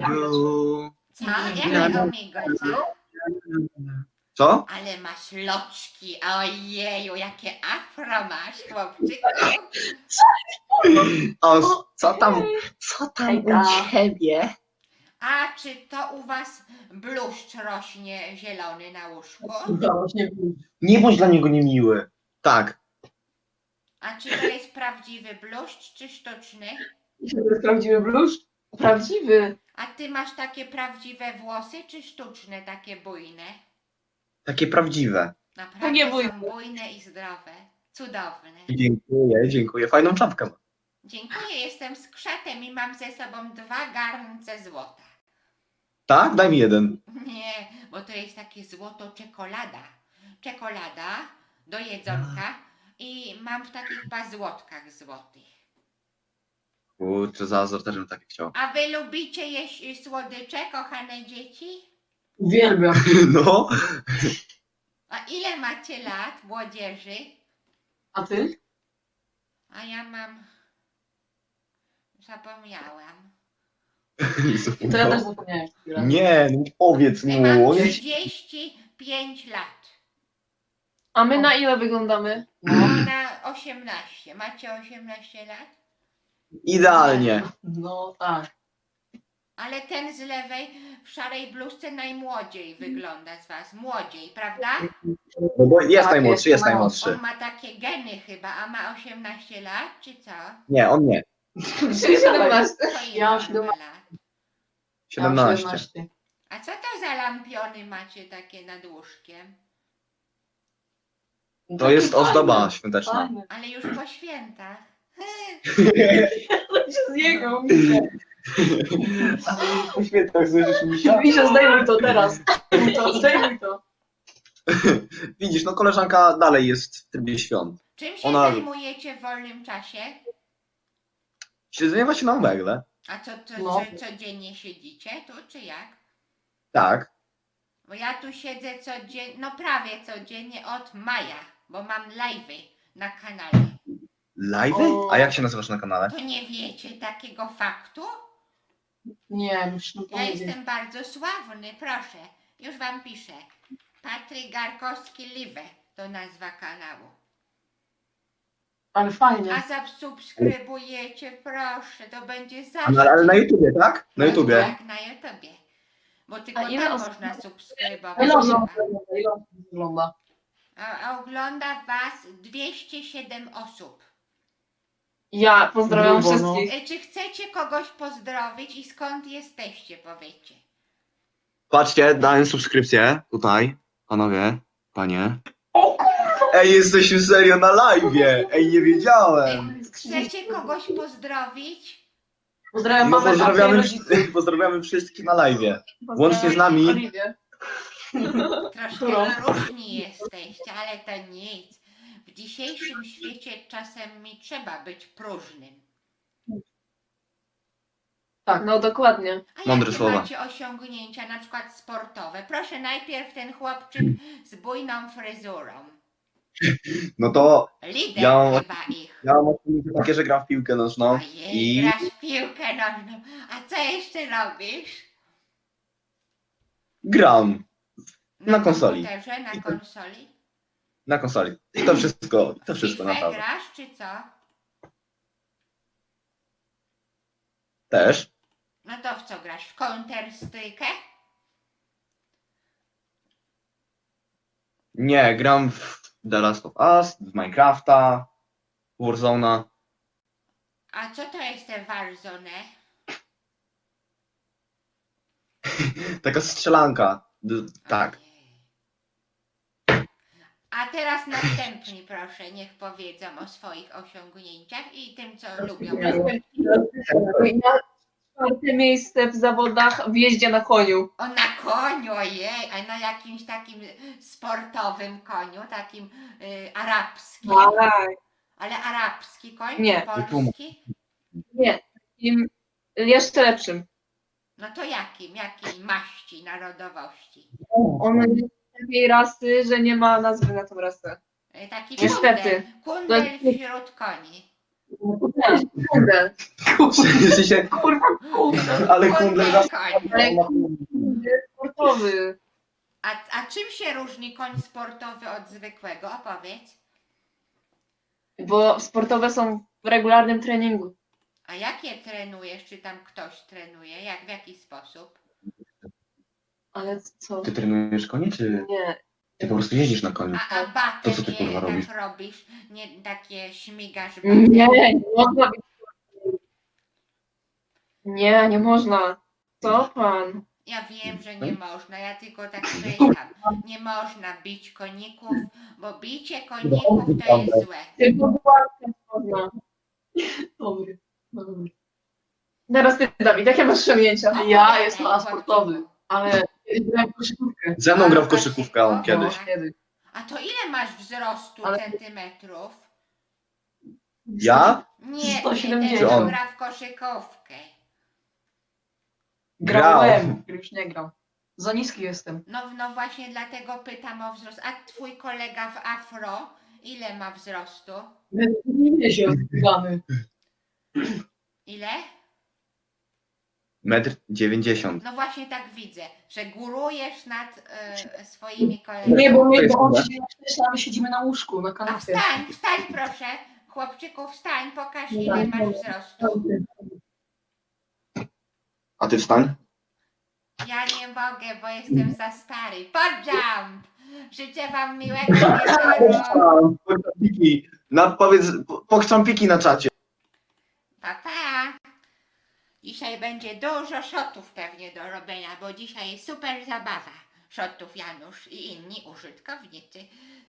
Omigu. Co? Jakie omigo, co? Co? Ale masz loczki, ojeju, jakie afro masz, chłopczyku. O, co tam Hejka. u ciebie? A czy to u was bluszcz rośnie zielony na łóżku? Nie bądź dla niego niemiły. Tak. A czy to jest prawdziwy bluszcz, czy sztuczny? To jest prawdziwy bluszcz? Prawdziwy. A ty masz takie prawdziwe włosy, czy sztuczne, takie bujne? Takie prawdziwe. Naprawdę Takie są bujne. bujne i zdrowe. Cudowne. Dziękuję. Fajną czapkę ma. Dziękuję, jestem skrzatem i mam ze sobą 2 garnce złota. Tak? Daj mi jeden. Nie, bo to jest takie złoto czekolada. Czekolada do jedzonka i mam w takich bazłotkach złotych. Kurczę, Zazor też bym takie chciał. A wy lubicie jeść słodycze, kochane dzieci? Uwielbiam. No. A ile macie lat, młodzieży? A ty? A ja mam... Zapomniałam. To ja też zapomniałem. chwilę. Nie, no powiedz mu. Mam On jest... 35 lat. A my na ile wyglądamy? Na 18. Macie 18 lat? Idealnie. No tak. Ale ten z lewej w szarej bluzce najmłodziej wygląda z was. Młodziej, prawda? No bo jest Tak, najmłodszy, jest jest najmłodszy. On ma takie geny chyba, a ma 18 lat, czy co? Nie, on nie. 17. To ile Ja mam on 17. ma lat? 17. A co to za lampiony macie takie nad łóżkiem? To jest ozdoba świąteczna. Fajne. Ale już po świętach. To się z niego, Misia. Po świętach słyszysz misia? Misia, zdejmuj to teraz. Zdejmuj to. Widzisz, no koleżanka dalej jest w trybie świąt. Czym się Ona- zajmujecie w wolnym czasie? Siedzenie się na omegle. A No. codziennie siedzicie tu, czy jak? Tak. Bo ja tu siedzę codziennie, no prawie codziennie od maja, bo mam live'y na kanale. Live'y? A jak się nazywasz na kanale? To nie wiecie takiego faktu? Nie, już nie Ja powiedzieć. jestem bardzo sławny, proszę. Już wam piszę. Patryk Garkowski Live to nazwa kanału. Ale fajnie. A zasubskrybujecie, proszę, to będzie Ale, zaszczyt. ale na YouTubie, tak? Na YouTubie. Tak, na YouTubie. Bo tylko A ile tam osób- można subskrybować. Ile osób wygląda? A ogląda was 207 osób. Ja pozdrawiam Grubo, no. wszystkich. Czy chcecie kogoś pozdrowić i skąd jesteście, powiedzcie. Patrzcie, dałem subskrypcję tutaj. Panowie, panie. Ej, jesteśmy serio na live'ie. Ej, nie wiedziałem. Chcecie kogoś pozdrowić? Pozdrawiam No, mamę, tatę i rodziców. pozdrawiamy wszystkich na live'ie. Łącznie z nami. Oliwię. Troszkę Którą? różni jesteście, ale to nic. W dzisiejszym świecie czasem mi trzeba być próżnym. Tak, no dokładnie. A Mądre jakie słowa. macie osiągnięcia, na przykład sportowe? Proszę najpierw ten chłopczyk z bujną fryzurą. No to Lider Ja- chyba ich. ja mam osiągnięcie takie, że gram w piłkę nożną. Ojej, I grasz w piłkę nożną. A co jeszcze robisz? gram na konsoli. komputerze, na I to- konsoli? Na konsoli. I to wszystko FIFA naprawdę. grasz, czy co? Też. No to w co grasz? W Counter-Strike? Nie, gram w The Last of Us, w Minecrafta, Warzone'a. A co to jest te Warzone? Taka strzelanka. Tak. Ojej. A teraz następni proszę, niech powiedzą o swoich osiągnięciach i tym, co lubią. Czwarte miejsce w zawodach w jeździe na koniu. O, na koniu, ojej, a na jakimś takim sportowym koniu, takim arabskim. Tak. Ale arabski koń, Nie. polski? Nie, takim jeszcze lepszym. No to jakim? Jakiej maści, narodowości? On jest takiej rasy, że nie ma nazwy na tą rasę. Taki Niestety. kundel wśród koni. Kurde. W sensie, Kurwa, kurde. ale kundel raz... koń. Ale kurde, sportowy. A czym się różni koń sportowy od zwykłego? Opowiedz. Bo sportowe są w regularnym treningu. A jakie trenujesz? Czy tam ktoś trenuje? W jaki sposób? Ale co? Ty trenujesz konie, czy Nie. ty po prostu jeździsz na koniu? A batem To co ty, kurwa, tak robisz? robisz? Nie takie śmigasz batem? Nie można być. Nie można. Co pan? Ja wiem, że nie można, ja tylko tak pytam. Nie można bić koników, bo bicie koników to jest złe. Tylko była można. Dobry. Dobry. Teraz ty, Dawid, jakie masz osiągnięcia? Ja jestem Opowiadaj, sportowy. chłopczyku. Ale grałem w koszykówkę. Ze mną grał w koszykówkę on A, kiedyś. Kiedy? A to ile masz wzrostu Ale- centymetrów? Ja? Nie, 170. ty, Czy on? gra w koszykówkę. Grałem. Już nie gram. Za niski jestem. No właśnie dlatego pytam o wzrost. A twój kolega w afro, ile ma wzrostu? Nie się odbieramy. Ile? 1,90 m. No właśnie tak widzę, że górujesz nad swoimi kolegami. Nie, bo on Dobra. siedzi na krześle, a my siedzimy na łóżku, na A kanapie. wstań proszę. Chłopczyku, wstań, pokaż ile masz wzrostu. A ty wstań? Ja nie mogę, bo jestem za stary. Podjump! Życzę wam miłego wieczoru. Pokczampiki. Powiedz, pokczampiki na czacie. Pa, pa. Dzisiaj będzie dużo shotów pewnie do robienia, bo dzisiaj jest super zabawa. Shotów Janusz i inni użytkownicy.